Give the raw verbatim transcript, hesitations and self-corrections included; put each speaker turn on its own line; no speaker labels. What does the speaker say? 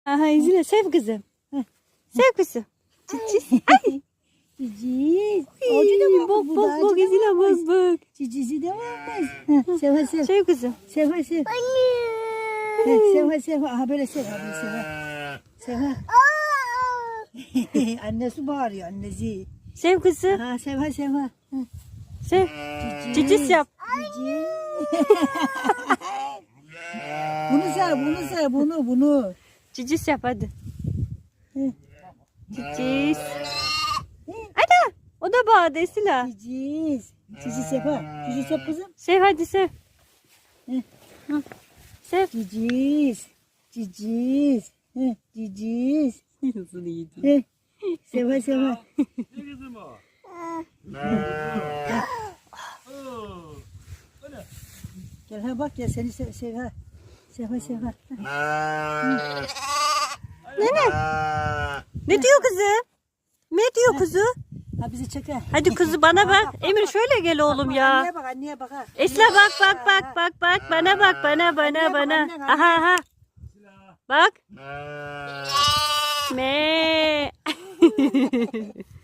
Aha izle sev kızım. Heh. Sev kızım. Cicis. Ay.
Cicis. Acı da var.
Bak bak bak izle bak bak.
Cicisi de varmış. Heh, sev hadi sev.
Sev kızım.
Sev hadi sev. Heh, sev hadi sev. Aha böyle sev. Hadi sev. ha. Sev. ha. Annesi bağırıyor annesi.
Sev kızım.
Ha sev hadi sev. ha. Heh.
Sev. Cicis yap.
Cici. Bunu sev, bunu sev, bunu, bunu.
Cicis yap hadi.
Hı.
Cicis. Ana. O da bağırdı Esila.
Cicis. Cicis yap ha. Cicis yap kızım.
Sev hadi sev.
Hı.
Hı. Sev.
Cicis. Cicis. Hı, Cicis.
Nasıl iyiydi.
Hı. Sev ha, sev ha.
Ne kızım o?
Gel ha bak ya seni sev, sev ha. Sev ha, sev ha.
Ne diyor kızım? Ne diyor kuzu?
Ha bizi çek ha.
Hadi kuzu bana bak. Emir şöyle gel oğlum ya.
Anneye bak, anneye bak ha.
Esla bak bak bak bak bak bana bak bana bana bana. Aha aha. Bak. Me.